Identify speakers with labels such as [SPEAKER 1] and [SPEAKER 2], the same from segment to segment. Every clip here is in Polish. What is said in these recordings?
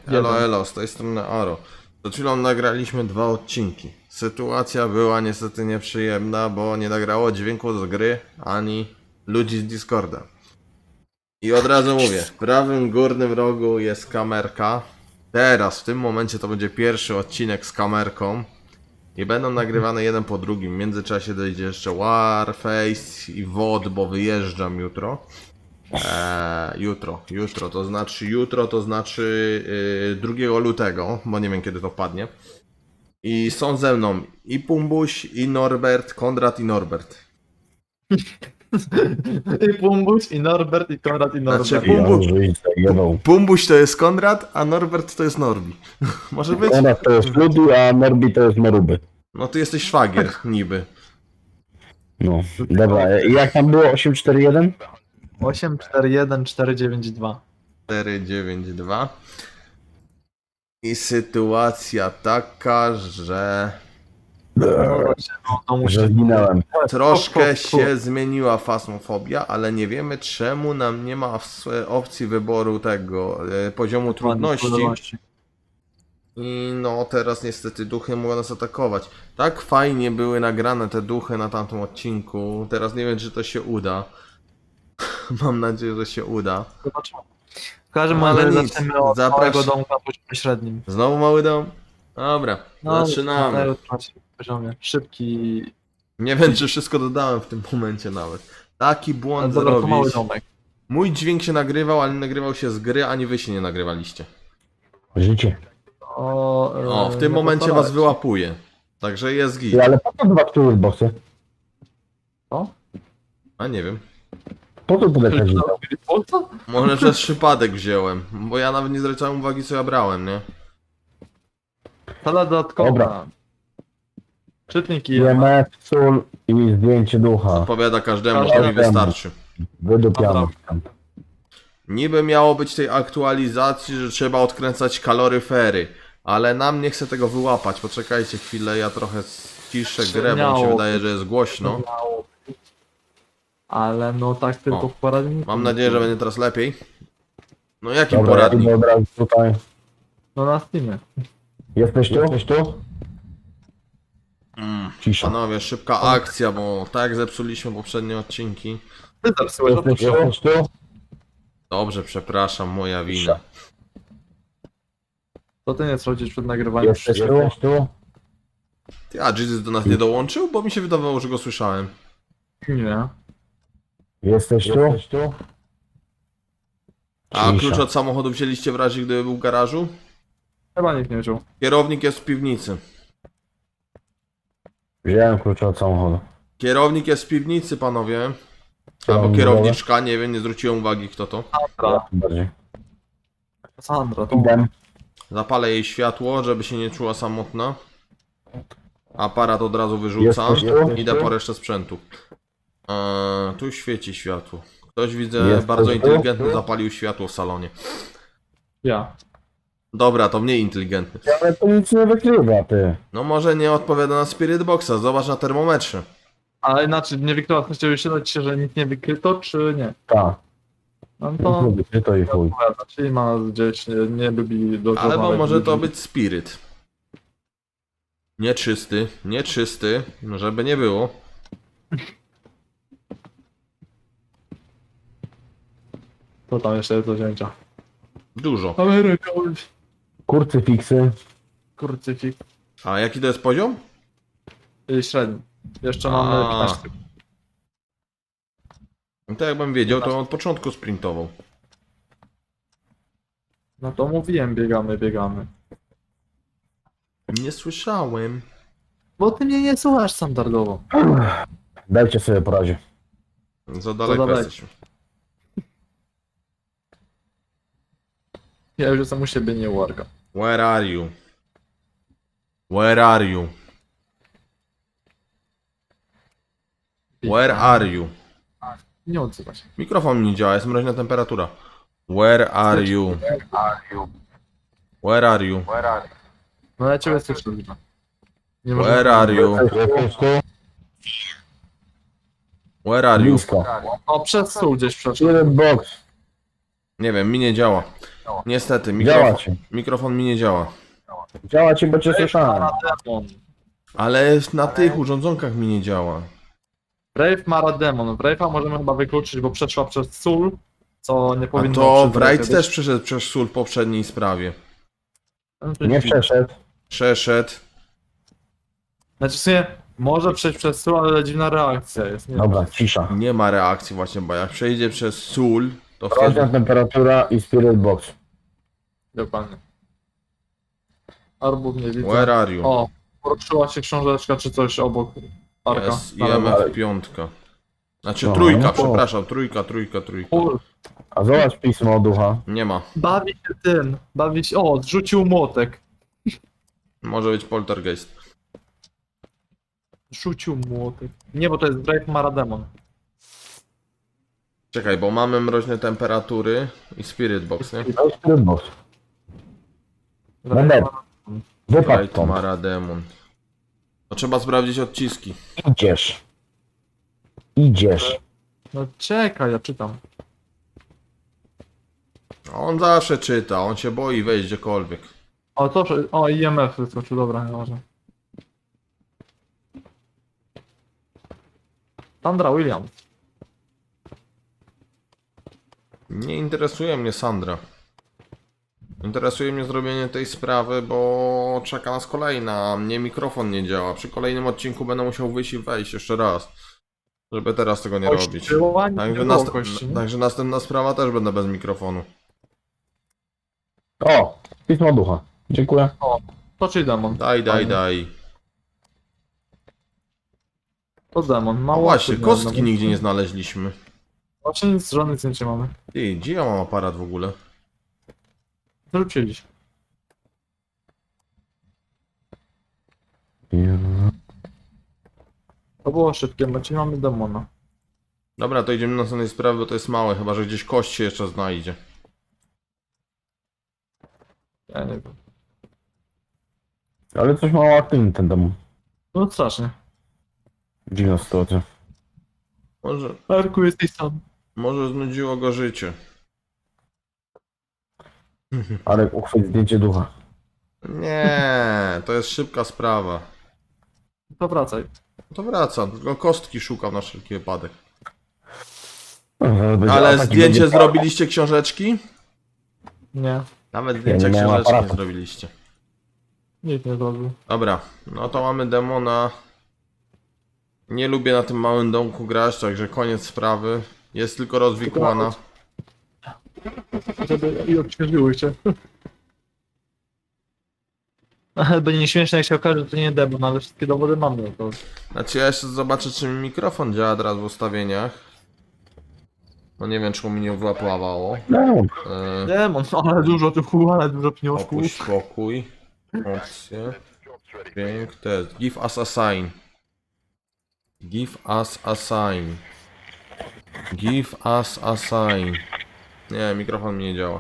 [SPEAKER 1] Elo, elo, z tej strony Aro. Przed chwilą nagraliśmy 2 odcinki. Sytuacja była niestety nieprzyjemna, bo nie nagrało dźwięku z gry, ani ludzi z Discorda. I od razu mówię, w prawym górnym rogu jest kamerka. Teraz, w tym momencie to będzie pierwszy odcinek z kamerką. I będą nagrywane jeden po drugim. W międzyczasie dojdzie jeszcze Warface i WOD, bo wyjeżdżam jutro. Jutro to znaczy 2 lutego, bo nie wiem kiedy to padnie. I są ze mną i Pumbuś, i Norbert, Konrad i Norbert.
[SPEAKER 2] I Pumbuś, i Norbert, i Konrad, i Norbert.
[SPEAKER 1] Znaczy, Pumbuś to jest Konrad, a Norbert to jest Norbi. Może być?
[SPEAKER 3] Konrad to jest Ludi, a Norbi to jest Noruby.
[SPEAKER 1] No ty jesteś szwagier, niby.
[SPEAKER 3] No, dobra. I jak tam było? 841?
[SPEAKER 2] 841 492.
[SPEAKER 1] 492. I sytuacja taka, że
[SPEAKER 2] To musi...
[SPEAKER 3] Że zginąłem.
[SPEAKER 1] troszkę się zmieniła fasmofobia, ale nie wiemy czemu nam nie ma opcji wyboru tego poziomu trudności. I no teraz niestety duchy mogą nas atakować. Tak fajnie były nagrane te duchy na tamtym odcinku. Teraz nie wiem czy to się uda. Mam nadzieję, że się uda.
[SPEAKER 2] Zobaczymy. W każdym
[SPEAKER 1] Ale
[SPEAKER 2] razie
[SPEAKER 1] nic,
[SPEAKER 2] zaczniemy od małego domka na poziomie średnim.
[SPEAKER 1] Znowu mały dom? Dobra, zaczynamy.
[SPEAKER 2] Na poziomie. Szybki...
[SPEAKER 1] Nie wiem czy wszystko dodałem w tym momencie nawet. Taki błąd
[SPEAKER 2] Dobra, to mały
[SPEAKER 1] zrobić.
[SPEAKER 2] domek.
[SPEAKER 1] Mój dźwięk się nagrywał, ale nie nagrywał się z gry, ani wy się nie nagrywaliście.
[SPEAKER 3] Życie.
[SPEAKER 1] O, w tym momencie was wyłapuję. Także jest git.
[SPEAKER 3] Ale po co dwa toolboxy?
[SPEAKER 2] Co?
[SPEAKER 1] A nie wiem.
[SPEAKER 3] Po co tyle kazik?
[SPEAKER 2] Po co?
[SPEAKER 1] Może przez przypadek wziąłem, bo ja nawet nie zwracałem uwagi co ja brałem, nie?
[SPEAKER 2] Sala dodatkowa.
[SPEAKER 3] Dobra.
[SPEAKER 2] Czytnik i
[SPEAKER 3] IMF, sól i zdjęcie ducha.
[SPEAKER 1] Odpowiada każdemu, to mi wystarczy.
[SPEAKER 3] Wydupiamy.
[SPEAKER 1] Niby miało być tej aktualizacji, że trzeba odkręcać kaloryfery, ale nam nie chce tego wyłapać. Poczekajcie chwilę, ja trochę ściszę grę, bo mi się wydaje, że jest głośno.
[SPEAKER 2] Ale no tak tylko
[SPEAKER 1] O,
[SPEAKER 2] w poradniku.
[SPEAKER 1] Mam nadzieję, że będzie teraz lepiej. No jakim
[SPEAKER 3] Dobra, ja
[SPEAKER 1] poradnik?
[SPEAKER 3] idę od razu tutaj.
[SPEAKER 2] No na Steamie.
[SPEAKER 3] Jesteś tu? Jesteś tu? Cisza.
[SPEAKER 1] Panowie, szybka akcja, bo tak jak zepsuliśmy poprzednie odcinki.
[SPEAKER 2] Ty zepsułeś,
[SPEAKER 3] Jesteś tu?
[SPEAKER 1] Dobrze, przepraszam, moja wina.
[SPEAKER 2] to ty nie schodzisz przed nagrywaniem.
[SPEAKER 3] Jesteś tu?
[SPEAKER 1] Ty, a Jesus do nas nie dołączył? Bo mi się wydawało, że go słyszałem.
[SPEAKER 2] Nie.
[SPEAKER 3] Jesteś tu?
[SPEAKER 1] A
[SPEAKER 3] Cisza.
[SPEAKER 1] klucz od samochodu wzięliście w razie, gdyby był w garażu?
[SPEAKER 2] Chyba nikt nie wziął.
[SPEAKER 1] Kierownik jest w piwnicy.
[SPEAKER 3] Wziąłem klucze od samochodu.
[SPEAKER 1] Kierownik jest w piwnicy, panowie. Albo
[SPEAKER 3] Kierownik
[SPEAKER 1] kierowniczka, nie wiem, nie zwróciłem uwagi kto to.
[SPEAKER 2] Sandra.
[SPEAKER 3] Bardziej.
[SPEAKER 2] Sandra, to
[SPEAKER 3] Idę.
[SPEAKER 1] Zapalę jej światło, żeby się nie czuła samotna. Aparat od razu wyrzucam.
[SPEAKER 3] Jesteś tu?
[SPEAKER 1] Idę po resztę sprzętu. Tu świeci światło. Ktoś widzę
[SPEAKER 3] Jesteś
[SPEAKER 1] bardzo
[SPEAKER 3] tu?
[SPEAKER 1] inteligentny zapalił światło w salonie.
[SPEAKER 2] ja.
[SPEAKER 1] Dobra, to mniej inteligentny.
[SPEAKER 3] Ale to nic nie wykrywa, ty.
[SPEAKER 1] No może nie odpowiada na Spirit Boxa, zobacz na termometrze.
[SPEAKER 2] Ale inaczej, nie wykryto, chciałbyś się dać, że nic nie wykryto, czy nie?
[SPEAKER 3] Tak.
[SPEAKER 2] No to
[SPEAKER 3] To i chuj.
[SPEAKER 2] odpowiada, czyli ma gdzieś, nie lubi do
[SPEAKER 1] Albo może to być Spirit. Nieczysty, żeby nie było.
[SPEAKER 2] To tam jeszcze jest do wzięcia.
[SPEAKER 1] Dużo.
[SPEAKER 2] Ameryka,
[SPEAKER 3] Kurcyfiksy.
[SPEAKER 2] kurcyfik.
[SPEAKER 1] A jaki to jest poziom?
[SPEAKER 2] Średni. Jeszcze mamy 15.
[SPEAKER 1] No to jakbym wiedział, to od początku sprintował.
[SPEAKER 2] No to mówiłem, biegamy.
[SPEAKER 1] Nie słyszałem.
[SPEAKER 2] Bo ty mnie nie słuchasz standardowo.
[SPEAKER 3] Dajcie sobie po razie.
[SPEAKER 1] Za daleko
[SPEAKER 2] daleko.
[SPEAKER 1] jesteśmy.
[SPEAKER 2] Ja już jestem u siebie, nie u Arka.
[SPEAKER 1] Where are you? Where are you? Where are you?
[SPEAKER 2] Nie odzywa się.
[SPEAKER 1] Mikrofon mi nie działa, jest mroźna temperatura. Where are you? Where are you?
[SPEAKER 2] No ja ciebie słyszę. Nie
[SPEAKER 1] Where are you?
[SPEAKER 3] Jesteś tu?
[SPEAKER 1] Where are you?
[SPEAKER 3] Blisko.
[SPEAKER 2] O, przez stół gdzieś przeszedł.
[SPEAKER 3] Jeden box.
[SPEAKER 1] Nie wiem, mi nie działa. Niestety,
[SPEAKER 3] Działa ci.
[SPEAKER 1] mikrofon mi nie działa.
[SPEAKER 3] Działa ci, bo cię słyszałem.
[SPEAKER 2] Marademon.
[SPEAKER 1] Ale na tych urządzonkach mi nie działa.
[SPEAKER 2] Brave Marademon. Brave'a możemy chyba wykluczyć, bo przeszła przez sól, co nie
[SPEAKER 1] A
[SPEAKER 2] powinno
[SPEAKER 1] to
[SPEAKER 2] przy
[SPEAKER 1] Wright
[SPEAKER 2] Brave'ie
[SPEAKER 1] też
[SPEAKER 2] być.
[SPEAKER 1] przeszedł przez sól w poprzedniej sprawie.
[SPEAKER 2] No to
[SPEAKER 3] Nie
[SPEAKER 2] dziwne.
[SPEAKER 3] przeszedł.
[SPEAKER 1] Przeszedł.
[SPEAKER 2] Znaczy w sumie może przejść przez sól, ale dziwna reakcja jest. Nie
[SPEAKER 3] Dobra, cisza.
[SPEAKER 1] Nie ma reakcji właśnie, bo jak przejdzie przez sól, to
[SPEAKER 3] Roczna
[SPEAKER 1] wtedy...
[SPEAKER 3] temperatura i spirit box.
[SPEAKER 2] Dokładnie. Arbów nie widzę.
[SPEAKER 1] Where are you?
[SPEAKER 2] O, poruszyła się książeczka czy coś obok parka.
[SPEAKER 1] Jest
[SPEAKER 2] Na lewo.
[SPEAKER 1] IMF 5. Znaczy
[SPEAKER 3] No,
[SPEAKER 1] trójka,
[SPEAKER 3] no to-
[SPEAKER 1] przepraszam, trójka.
[SPEAKER 2] Ul,
[SPEAKER 3] A zobacz pismo od ducha.
[SPEAKER 1] Nie ma.
[SPEAKER 2] bawi się tym, bawi się... O, zrzucił młotek.
[SPEAKER 1] Może być poltergeist.
[SPEAKER 2] Rzucił młotek. Nie, bo to jest Brave Marademon.
[SPEAKER 1] Czekaj, bo mamy mroźne temperatury i spirit box, nie?
[SPEAKER 3] To jest spirit box.
[SPEAKER 2] Brave
[SPEAKER 3] Moment.
[SPEAKER 2] Marademon.
[SPEAKER 3] Wypadł
[SPEAKER 1] Right
[SPEAKER 3] stąd.
[SPEAKER 1] Marademon. To trzeba sprawdzić odciski.
[SPEAKER 3] Idziesz. Idziesz.
[SPEAKER 2] No czekaj, ja czytam.
[SPEAKER 1] On zawsze czyta, on się boi wejść gdziekolwiek.
[SPEAKER 2] O, to... O, IMF wyskoczył, dobra, nieważne. Sandra Williams.
[SPEAKER 1] Nie interesuje mnie Sandra. Interesuje mnie zrobienie tej sprawy, bo czeka nas kolejna, a mnie mikrofon nie działa. Przy kolejnym odcinku będę musiał wyjść i wejść jeszcze raz. Żeby teraz tego nie robić.
[SPEAKER 2] Kościoła, nie
[SPEAKER 1] Także,
[SPEAKER 2] było kości, nie?
[SPEAKER 1] także następna sprawa też będę bez mikrofonu.
[SPEAKER 3] O, pismo od ducha. Dziękuję.
[SPEAKER 2] To czy demon?
[SPEAKER 1] Daj.
[SPEAKER 2] To demon.
[SPEAKER 1] No
[SPEAKER 2] Mało
[SPEAKER 1] właśnie,
[SPEAKER 2] osób
[SPEAKER 1] kostki
[SPEAKER 2] miało.
[SPEAKER 1] nigdzie nie znaleźliśmy.
[SPEAKER 2] Właśnie nic, żadnych zdjęć nie mamy.
[SPEAKER 1] Ty, gdzie ja mam aparat w ogóle?
[SPEAKER 2] Wrócili. To było szybkie, bo dzisiaj mamy demona.
[SPEAKER 1] Dobra, to idziemy na następnej sprawy, bo to jest małe, chyba że gdzieś kość się jeszcze znajdzie.
[SPEAKER 2] Ja nie wiem.
[SPEAKER 3] Ale coś mało aktywny ten dom.
[SPEAKER 2] No strasznie.
[SPEAKER 3] Dziwna sytuacja.
[SPEAKER 1] Może
[SPEAKER 2] jesteś sam.
[SPEAKER 1] znudziło go życie.
[SPEAKER 3] Ale uchwyć zdjęcie ducha.
[SPEAKER 1] Nie, to jest szybka sprawa.
[SPEAKER 2] To wracaj.
[SPEAKER 1] To wracam, tylko kostki szukam na wszelki wypadek.
[SPEAKER 3] Będzie
[SPEAKER 1] Ale
[SPEAKER 3] atak i
[SPEAKER 1] zdjęcie
[SPEAKER 3] będzie-
[SPEAKER 1] zrobiliście książeczki?
[SPEAKER 2] Nie.
[SPEAKER 1] Nawet zdjęcia
[SPEAKER 3] nie miałem
[SPEAKER 1] książeczki nie
[SPEAKER 3] aparatu.
[SPEAKER 1] zrobiliście.
[SPEAKER 2] Nikt nie zrobił.
[SPEAKER 1] Dobra, no to mamy demona. Nie lubię na tym małym domku grać, także koniec sprawy. Jest tylko rozwikłana.
[SPEAKER 2] Żeby i odświeżyły cię. Będzie nieśmieszne jak się okaże, że to nie demon, ale wszystkie dowody mamy. No to...
[SPEAKER 1] Znaczy ja jeszcze zobaczę, czy mi mikrofon działa teraz w ustawieniach. No nie wiem, czemu mi nie wyłapało.
[SPEAKER 3] No,
[SPEAKER 2] Demon, ale dużo tu, ale dużo pieniążków.
[SPEAKER 1] Opuść pokój. Opcje. Dźwięk test. Give us a sign. Give us a sign. Give us a sign. Nie, mikrofon mi nie działa.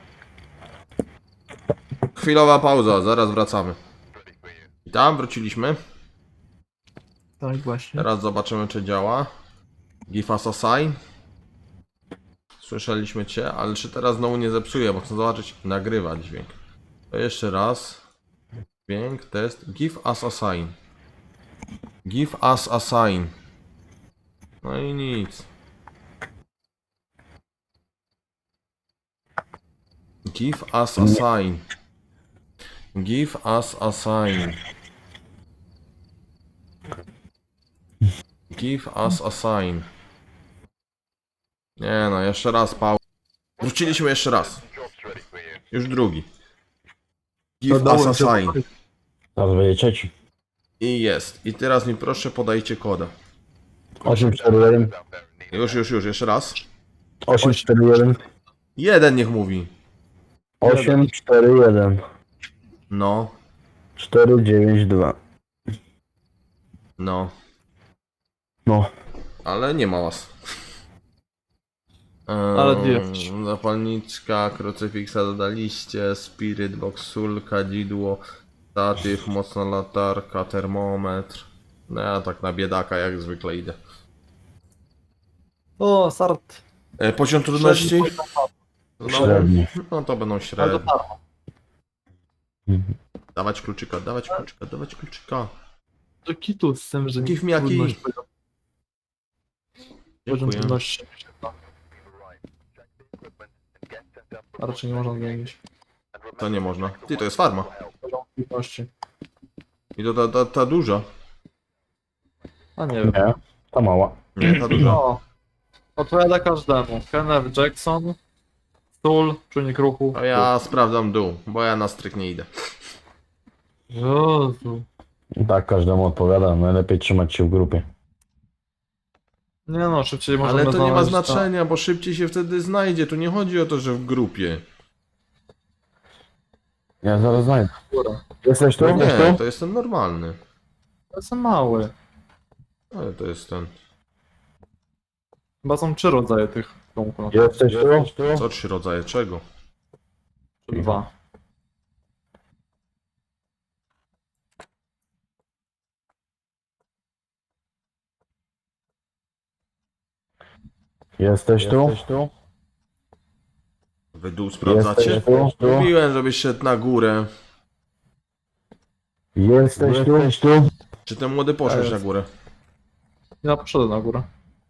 [SPEAKER 1] Chwilowa pauza, zaraz wracamy. I tam wróciliśmy.
[SPEAKER 2] Tak właśnie.
[SPEAKER 1] Teraz zobaczymy, czy działa. Give us a sign. Słyszeliśmy cię, ale czy teraz znowu nie zepsuje, bo chcę zobaczyć. Nagrywa dźwięk. To jeszcze raz. Dźwięk, test. Give us a sign. Give us a sign. No i nic. Give us a sign. Give us a sign. Give us a sign. Nie no, jeszcze raz pał. Wróciliśmy jeszcze raz. Już drugi. Give us a sign.
[SPEAKER 3] zaraz będzie trzeci.
[SPEAKER 1] I jest. I teraz mi proszę podajcie kodę.
[SPEAKER 3] 841.
[SPEAKER 1] Już, jeszcze raz.
[SPEAKER 3] 841.
[SPEAKER 1] Jeden niech mówi.
[SPEAKER 3] 841.
[SPEAKER 1] No,
[SPEAKER 3] 492.
[SPEAKER 1] no.
[SPEAKER 3] No.
[SPEAKER 1] Ale nie ma was.
[SPEAKER 2] Ale ty jesteś.
[SPEAKER 1] Zapalniczka, krucyfiksa dodaliście, spirit box, sól, kadzidło, statyw, mocna latarka, termometr. No ja tak na biedaka jak zwykle idę.
[SPEAKER 2] O, start.
[SPEAKER 1] Poziom trudności? No,
[SPEAKER 3] Średni.
[SPEAKER 1] no to będą
[SPEAKER 2] Ale to
[SPEAKER 1] średnie.
[SPEAKER 2] darmo.
[SPEAKER 3] Mhm.
[SPEAKER 1] Dawać kluczyka, dawać kluczyka, dawać kluczyka.
[SPEAKER 2] To kitu z tym, że
[SPEAKER 1] Give me a key.
[SPEAKER 2] trudność poziom
[SPEAKER 1] Dziękuję.
[SPEAKER 2] trudności. A raczej nie można zmienić.
[SPEAKER 1] To nie można. Ty, to jest farma.
[SPEAKER 2] Poziom trudności.
[SPEAKER 1] I to ta duża.
[SPEAKER 2] A nie wiem.
[SPEAKER 3] Nie, ta mała.
[SPEAKER 1] Nie, ta duża.
[SPEAKER 2] No. Odpowiada każdemu. Kenneth Jackson, Stul, czujnik ruchu.
[SPEAKER 1] A ja sprawdzam dół, bo ja na stryk nie idę.
[SPEAKER 2] Jezu.
[SPEAKER 3] Tak każdemu odpowiada, najlepiej trzymać się w grupie.
[SPEAKER 2] Nie no, szybciej możemy
[SPEAKER 1] Ale to nie ma
[SPEAKER 2] znaleźć
[SPEAKER 1] znaczenia, bo szybciej się wtedy znajdzie. Tu nie chodzi o to, że w grupie.
[SPEAKER 3] Ja zaraz znajdę.
[SPEAKER 2] górę.
[SPEAKER 3] Jesteś tu?
[SPEAKER 1] No
[SPEAKER 3] Jesteś
[SPEAKER 1] nie,
[SPEAKER 3] tu?
[SPEAKER 1] to jest ten normalny.
[SPEAKER 2] To jest mały.
[SPEAKER 1] Ale to jest ten.
[SPEAKER 2] Chyba są 3 rodzaje tych domków.
[SPEAKER 3] Jesteś tu?
[SPEAKER 1] Co 3 rodzaje czego?
[SPEAKER 2] Czy 2.
[SPEAKER 3] Jesteś tu?
[SPEAKER 1] Wy dół sprawdzacie?
[SPEAKER 3] Jesteś tu?
[SPEAKER 1] Mówiłem, żebyś szedł na górę.
[SPEAKER 3] Jesteś tu?
[SPEAKER 1] Czy ten młody poszedł na górę?
[SPEAKER 2] Ja poszedłem na górę.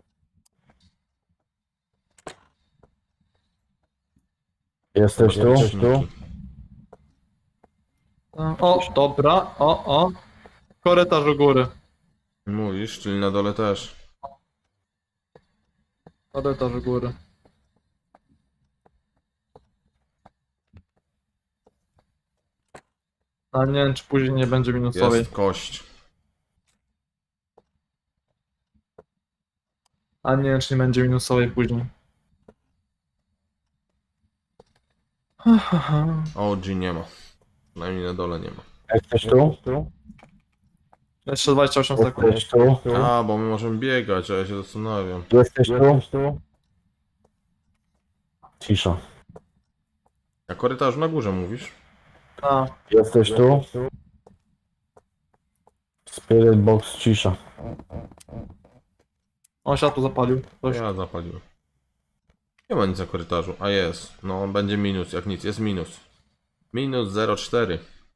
[SPEAKER 3] Jesteś tu?
[SPEAKER 1] Podręczniki.
[SPEAKER 2] O, dobra. O. Korytarz u góry.
[SPEAKER 1] Mówisz, czyli na dole też.
[SPEAKER 2] Korytarz u góry. A nie wiem, czy później nie będzie minusowej.
[SPEAKER 1] Jest kość.
[SPEAKER 2] A nie wiem, czy nie będzie minusowej później.
[SPEAKER 1] OG nie ma. Przynajmniej na dole nie ma.
[SPEAKER 3] Jesteś tu?
[SPEAKER 2] Jeszcze 28 sekund.
[SPEAKER 3] Jesteś tu?
[SPEAKER 1] A, bo my możemy biegać, a ja się zastanawiam.
[SPEAKER 3] Jesteś tu? Cisza.
[SPEAKER 1] Na korytarzu na górze mówisz?
[SPEAKER 2] A,
[SPEAKER 3] Jesteś tu? Spirit box cisza.
[SPEAKER 2] on światło zapalił. Ktoś.
[SPEAKER 1] Ja zapaliłem. Nie ma nic na korytarzu. A jest. No, będzie minus, jak nic. Jest minus. Minus 0,4.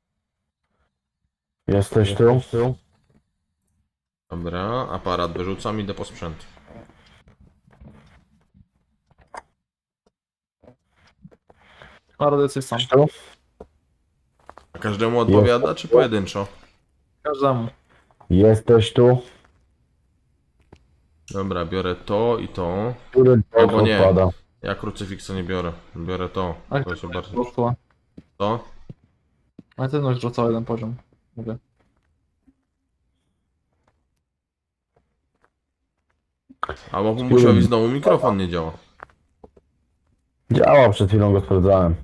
[SPEAKER 3] Jesteś tu?
[SPEAKER 1] Dobra, aparat wyrzucam, idę po sprzęt.
[SPEAKER 2] Ale jesteś sam.
[SPEAKER 3] Jesteś tu?
[SPEAKER 1] A każdemu odpowiada, czy pojedynczo?
[SPEAKER 2] Każdemu.
[SPEAKER 3] Jesteś tu?
[SPEAKER 1] Dobra, biorę to i to.
[SPEAKER 3] Który
[SPEAKER 1] Albo nie.
[SPEAKER 3] odpada?
[SPEAKER 1] Ja krucyfiksa nie biorę. Biorę to.
[SPEAKER 2] Ale
[SPEAKER 1] To się bardzo...
[SPEAKER 2] wzrosła.
[SPEAKER 1] To?
[SPEAKER 2] Aktywność wzrosła jeden poziom. Mówię.
[SPEAKER 1] Albo musiał znowu mikrofon nie działa.
[SPEAKER 3] Działa, przed chwilą go sprawdzałem.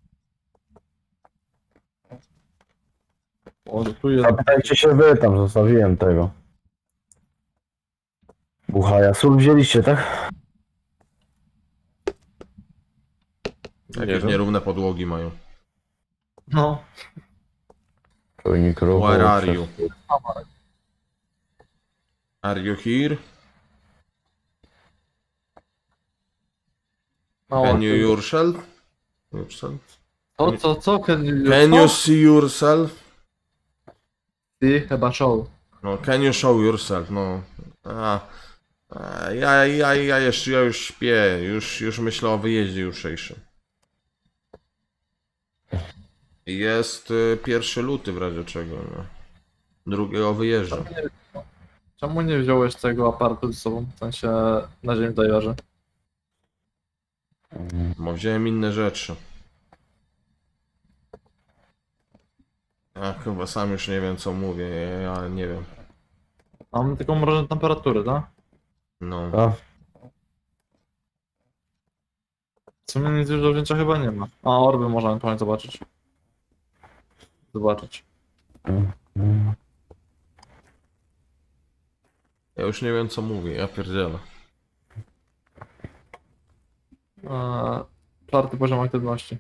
[SPEAKER 2] O, tu jest.
[SPEAKER 3] Zapytajcie się wy, tam zostawiłem tego. Buchaja. Sól wzięliście, tak?
[SPEAKER 1] Jakieś nierówne podłogi mają.
[SPEAKER 2] No.
[SPEAKER 3] Czujnik ruchu.
[SPEAKER 1] Where are you? Are you here?
[SPEAKER 2] Mało.
[SPEAKER 1] Can you yourself?
[SPEAKER 2] Co? Can
[SPEAKER 1] Can you see yourself?
[SPEAKER 2] Ty chyba show.
[SPEAKER 1] No, can you show yourself? No. Ja już śpię. Już myślę o wyjeździe jutrzejszym. Jest 1 luty w razie czego. No. Drugiego wyjeżdża.
[SPEAKER 2] Czemu nie wziąłeś tego aparatu ze sobą? W sensie na ziemi dajerze.
[SPEAKER 1] Bo wziąłem inne rzeczy. Ja chyba sam już nie wiem co mówię. Ja nie wiem.
[SPEAKER 2] Mamy taką mrożoną temperaturę, tak?
[SPEAKER 1] No.
[SPEAKER 3] A,
[SPEAKER 2] W sumie nic już do wzięcia chyba nie ma. A orby można ewentualnie zobaczyć.
[SPEAKER 1] Ja już nie wiem co mówię. Ja pierdzielę.
[SPEAKER 2] 4. poziom aktywności.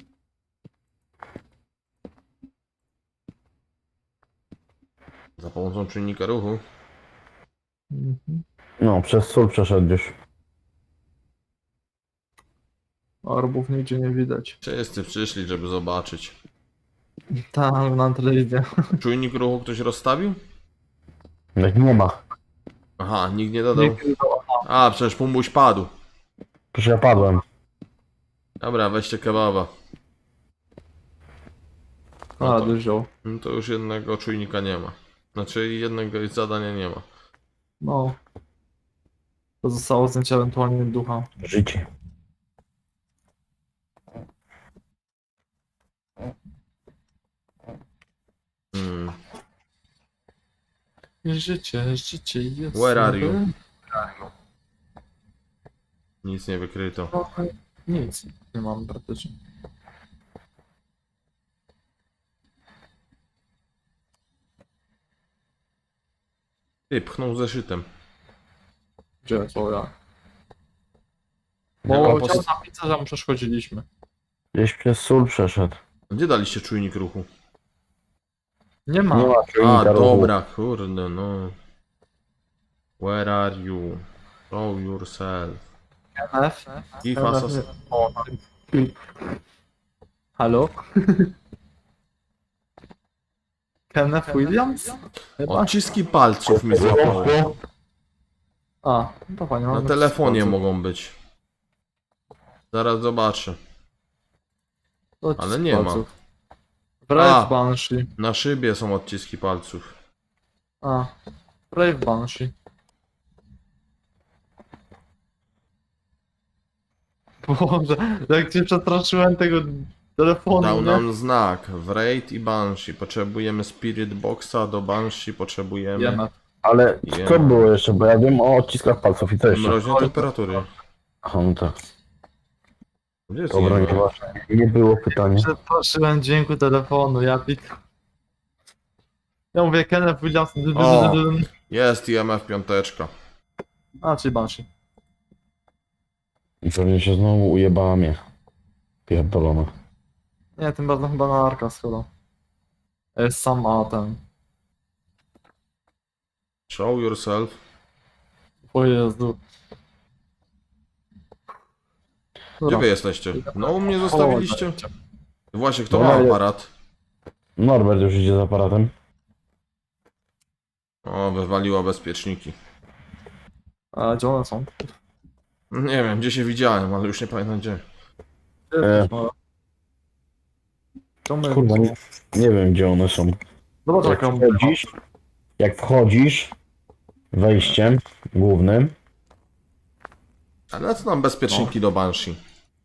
[SPEAKER 1] Za pomocą czynnika ruchu.
[SPEAKER 2] Mhm.
[SPEAKER 3] no, przez sól przeszedł już.
[SPEAKER 2] Orbów nigdzie nie widać.
[SPEAKER 1] Wszyscy przyszli, żeby zobaczyć.
[SPEAKER 2] Tam na telewizję.
[SPEAKER 1] Czujnik ruchu ktoś rozstawił?
[SPEAKER 3] Jak nie ma.
[SPEAKER 1] Aha, nikt nie dodał. A, przecież pumbuś padł.
[SPEAKER 3] Przecież ja padłem.
[SPEAKER 1] Dobra, weźcie kebaba.
[SPEAKER 2] A, dużo.
[SPEAKER 1] No to już jednego czujnika nie ma. Znaczy jednego zadania nie ma.
[SPEAKER 2] No. To zostało zdjęcie ewentualnie ducha.
[SPEAKER 3] Życie.
[SPEAKER 1] Hmm.
[SPEAKER 2] Życie jest...
[SPEAKER 1] Where are you? Nic nie wykryto.
[SPEAKER 2] Nic. Nie mam praktycznie.
[SPEAKER 1] Ty, pchnął zeszytem.
[SPEAKER 2] Gdzie to ja?
[SPEAKER 3] Dobra,
[SPEAKER 2] Bo
[SPEAKER 3] po-
[SPEAKER 2] chciał napisać, że mu przeszkodziliśmy.
[SPEAKER 3] Gdzieś przez sól przeszedł.
[SPEAKER 1] Gdzie daliście czujnik ruchu?
[SPEAKER 2] Nie ma.
[SPEAKER 3] Nie ma
[SPEAKER 1] A,
[SPEAKER 3] czujnika ruchu.
[SPEAKER 1] dobra, kurde, no. Where are you? Show yourself.
[SPEAKER 2] F.
[SPEAKER 1] Give us a...
[SPEAKER 2] O, halo? Kenneth Williams? Chyba?
[SPEAKER 1] Odciski palców mi złapało.
[SPEAKER 2] A, to fajnie.
[SPEAKER 1] Na
[SPEAKER 2] mamy
[SPEAKER 1] telefonie
[SPEAKER 2] wszystko.
[SPEAKER 1] mogą być. Zaraz zobaczę.
[SPEAKER 2] Odcisk
[SPEAKER 1] ale nie ma.
[SPEAKER 2] palców.
[SPEAKER 1] A.
[SPEAKER 2] Brave Banshee.
[SPEAKER 1] Na szybie są odciski palców.
[SPEAKER 2] A, Brave Banshee. Boże, jak cię przestraszyłem tego telefonu,
[SPEAKER 1] Dał
[SPEAKER 2] nie?
[SPEAKER 1] nam znak. Wraith i Banshee. Potrzebujemy Spirit Boxa, do Banshee potrzebujemy
[SPEAKER 2] Wiemy.
[SPEAKER 3] Ale
[SPEAKER 1] Wiem.
[SPEAKER 3] co było jeszcze? Bo ja wiem o odciskach palców i co jeszcze?
[SPEAKER 1] mroźne temperatury.
[SPEAKER 3] Aha, no tak.
[SPEAKER 1] Gdzie jest
[SPEAKER 3] Dobra,
[SPEAKER 1] IMF?
[SPEAKER 3] nieważne. Nie było pytania.
[SPEAKER 2] Przestraszyłem dźwięku telefonu, ja pik. Ja mówię Kenneth Williams.
[SPEAKER 1] O! Jest IMF piąteczka.
[SPEAKER 2] A, czyli Banshee.
[SPEAKER 3] I pewnie się znowu ujebała mnie. Pierdolona.
[SPEAKER 2] Nie, tym razem chyba na Arkas chyba. Jest sam a ten.
[SPEAKER 1] Show yourself.
[SPEAKER 2] O Jezu.
[SPEAKER 1] Gdzie wy jesteście? No u mnie zostawiliście. Właśnie, kto
[SPEAKER 3] No,
[SPEAKER 1] ma
[SPEAKER 3] ale-
[SPEAKER 1] aparat?
[SPEAKER 3] Norbert już idzie z aparatem.
[SPEAKER 1] O, wywaliła bezpieczniki.
[SPEAKER 2] A gdzie one są?
[SPEAKER 1] Nie wiem, gdzie się widziałem, ale już nie pamiętam gdzie.
[SPEAKER 2] Czemu?
[SPEAKER 3] Kurwa, nie wiem gdzie one są.
[SPEAKER 2] Zobacz
[SPEAKER 3] Jak
[SPEAKER 2] jaką...
[SPEAKER 3] wchodzisz, jak wchodzisz wejściem głównym,
[SPEAKER 1] Ale co nam bezpieczniki do Banshee?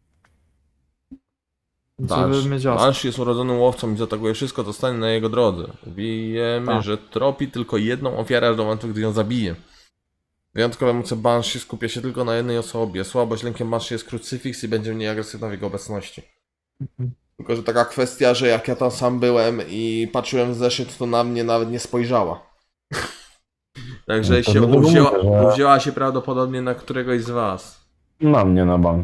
[SPEAKER 2] Żeby mieć jasno.
[SPEAKER 1] Banshee jest urodzonym łowcą i zaatakuje wszystko, co stanie na jego drodze. Wiemy,
[SPEAKER 2] Tak.
[SPEAKER 1] że tropi tylko jedną ofiarę aż do momentu, gdy ją zabije. Wyjątkowe moce Banshee skupia się tylko na jednej osobie. Słabość lękiem Banshee jest krucyfiks i będzie mniej agresywna w jego obecności. Tylko, że taka kwestia, że jak ja tam sam byłem i patrzyłem w zeszyt, to na mnie nawet nie spojrzała. Także
[SPEAKER 3] No to
[SPEAKER 1] się
[SPEAKER 3] dlatego
[SPEAKER 1] uwzięła,
[SPEAKER 3] mówię, że-
[SPEAKER 1] uwzięła się prawdopodobnie na któregoś z was.
[SPEAKER 3] na mnie na bank.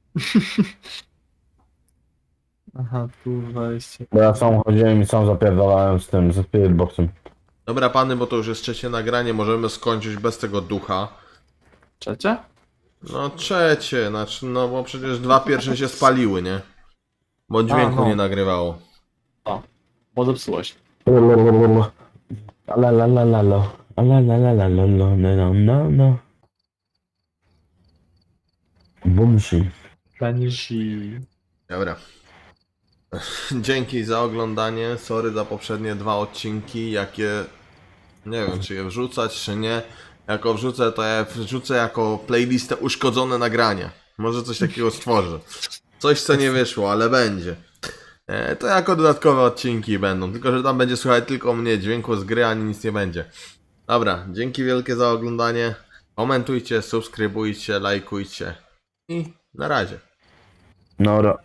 [SPEAKER 2] Aha, tu wejście.
[SPEAKER 3] Bo ja sam chodziłem i sam zapierdalałem z tym, ze spiritboxem.
[SPEAKER 1] Dobra pany, bo to już jest trzecie nagranie, możemy skończyć bez tego ducha.
[SPEAKER 2] Trzecie?
[SPEAKER 1] No trzecie, znaczy, no bo przecież dwa pierwsze się spaliły, nie? Bo dźwięku
[SPEAKER 2] no.
[SPEAKER 1] nie nagrywało.
[SPEAKER 2] Bo zepsułeś.
[SPEAKER 3] Alalalalo. Alalalalo. No, no, no. Bumsi.
[SPEAKER 2] Banshee.
[SPEAKER 1] Dobra. Dzięki za oglądanie. Sorry za poprzednie dwa odcinki, jakie... Nie wiem, czy je wrzucać, czy nie. Jako wrzucę, to ja wrzucę jako playlistę uszkodzone nagrania. Może coś takiego stworzę. Coś, co nie wyszło, ale będzie. To jako dodatkowe odcinki będą. Tylko, że tam będzie słychać tylko mnie, dźwięku z gry, ani nic nie będzie. Dobra, dzięki wielkie za oglądanie. Komentujcie, subskrybujcie, lajkujcie. I na razie.
[SPEAKER 3] Nora.